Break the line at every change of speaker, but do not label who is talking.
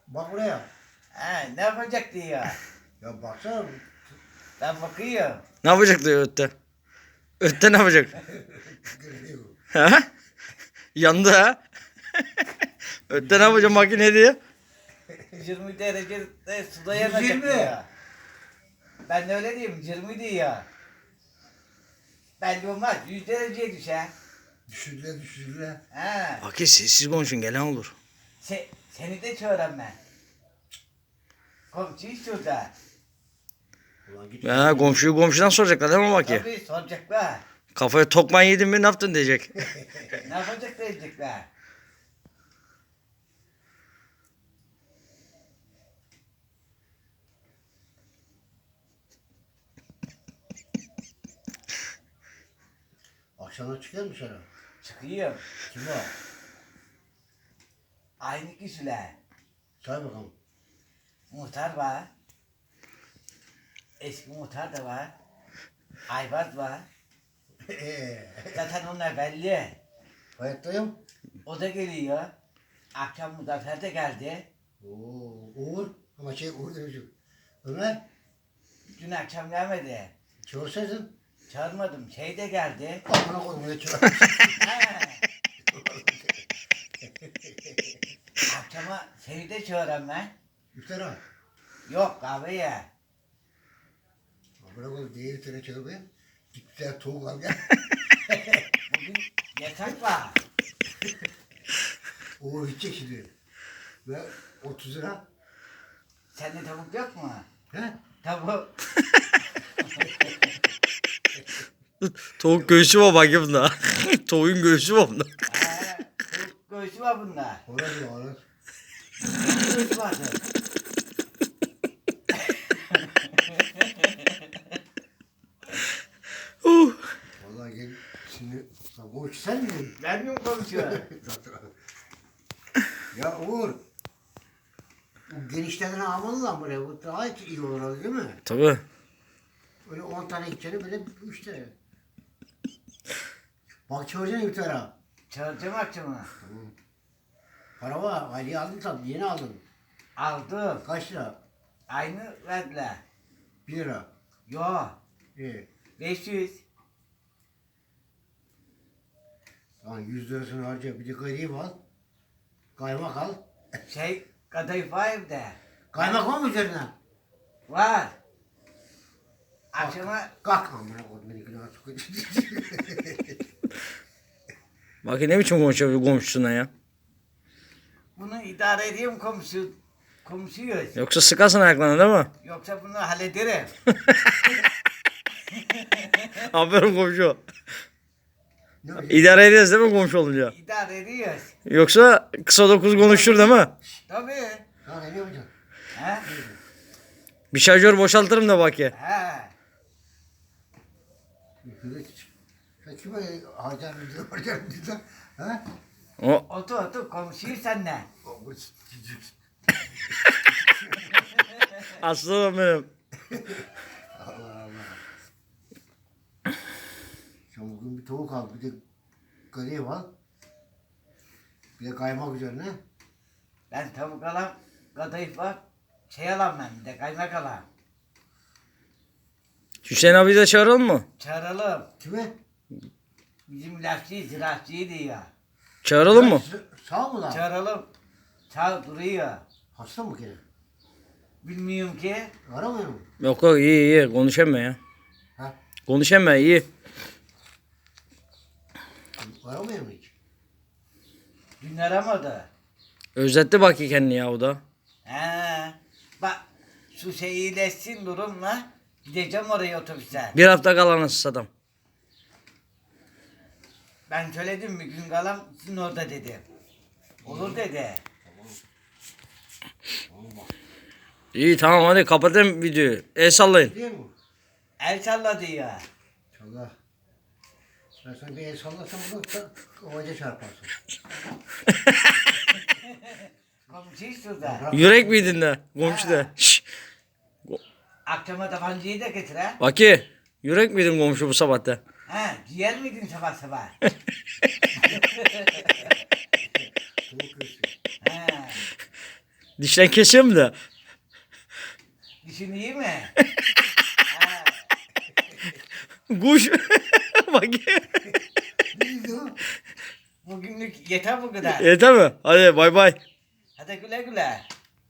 Bak buraya.
He, ne yapacak diyor.
Ya baksana.
Ben bakıyorum.
Ne yapacak diyor Ötte. Ötte ne yapacak?
Geliyor.
Ha? Yandı ha. Ötte ne yapacak makine diyor.
20 derecede suda yanacak
120.
diyor. Ben de öyle diyeyim 20 diyor. Belli olmaz 100 dereceye düşer.
Düşürdüler.
He.
Bak sessiz konuşun gelen olur.
Seni de çağıran ben. Komşuyu şurada.
Ulan git.
Ya komşuyu komşudan soracaklar değil mi bak ya?
Tabii soracaklar.
Kafaya tokman yedin mi ne yaptın diyecek.
Ne yapacak diyecekler.
Akşamda çıkıyor mu dışarı?
Çıkıyor.
Kim o?
Aynı kişiler.
Say bakalım.
Muhtar var. Eski muhtar da var. Ayvaz var. Zaten onlar belli.
Hayattayım.
O da geliyor. Akşam Muzaffer de geldi.
Oo, Uğur. Ama Uğur demişim. Ömer.
Dün akşam gelmedi.
Çağırsaydın.
Çağırmadım. Şey de geldi.
Amına koydum ne çağır.
He. Akşama seni de çağıran ben.
İftara.
Yok kahveye.
Amına koydum diğer iftara çağır be. Git bir tane tavuk al gel.
Bugün yasak var.
Uğur gidecek şimdi. Ve 30 lira.
Sende tavuk yok mu?
He?
Tavuk.
Tavuk göğsü var bak ya bunda. Tavuğun göğsü var bunda.
He. Tavuk göğsü var bunda.
Orası var orası.
Göğsü vardı.
Vallahi gel şimdi. Lan Uğur sen mi?
Ben mi konuşuyorum?
Ya Uğur. Bu genişlerden almalı lan buraya. Bu daha iyi olur değil mi?
Tabii.
Öyle 10 tane gideceğine böyle 3 tane. Bak çağıracaksın iftara.
Çağıracağım akşama.
Para var. Ali'yi aldın tabii. Yeni aldın.
Aldım.
Kaç lira?
Aynı verdiler.
1 lira.
Yo.
İyi.
500.
Tamam 100 lirasını harca. Bir de garip al. Kaymak al.
Şey kadayıf var evde.
Kaymak var mı üzerine?
Var. Akşama
Kalk amına koydum beni günah sokayım.
Bak ne biçim konuşuyor komşusuna ya.
bunu idare edeyim komşuyuz.
Yoksa sıkarsın ayaklarına değil mi?
Yoksa bunu hallederim.
Aferin komşu.
Ne öyle?
İdare ederiz değil mi komşu olunca?
İdare ediyoruz.
Yoksa kısa dokuz konuşur değil mi?
Tabii.
Ha ne yapacaksın?
He?
Bir şarjör boşaltırım da bak ya.
He.
Sen kime harcar mı diyorsun? Ha?
O
Otur komşuyuz seninle.
aslanım benim.
Allah Allah. Sen bugün bir tavuk al, bir de garip al. Bir de kaymak üzerine.
Ben tavuk alam, kadayıf var. Şey alam ben bir de kaymak alam.
Hüseyin abi de çağıralım mı?
Çağıralım.
Kime?
Bizim ilaççı, ziraatçıydı ya.
Çağıralım mı?
Sağ mı lan?
Çağıralım. Çağır duruyor.
Hasta mı gene?
Bilmiyorum ki.
Aramıyor mu?
Yok yok iyi konuşamıyor ya.
Ha?
Konuşamıyor iyi.
Aramıyor mu hiç?
Dün aramadı.
Özletti bak ya kendini ya o da.
He. Bak şu şey iyileşsin durumla. Gideceğim oraya otobüse.
Bir hafta kalan nasıl adam.
Ben söyledim bir gün kalam sizin orada dedim. Olur dedi.
İyi tamam hadi kapatayım videoyu. El sallayın.
Değil mi?
El salladı ya.
İnşallah. Ben sana bir el sallasam bunu da kovaca çarparsın.
Komşu şurada.
Yürek miydin de? Komşu da. Şşş.
Akşama tabancayı da getir ha.
Baki. Yürek miydin komşu bu sabahta?
Ha, ciğer miydin sabah sabah?
Tavuk göğsü.
Ha.
Dişten kesiyor mu da?
Dişin iyi mi? Ha,
Kuş. Bak.
Neydi o?
bugünlük yeter bu kadar.
Yeter mi? Hadi bay bay.
Hadi güle güle.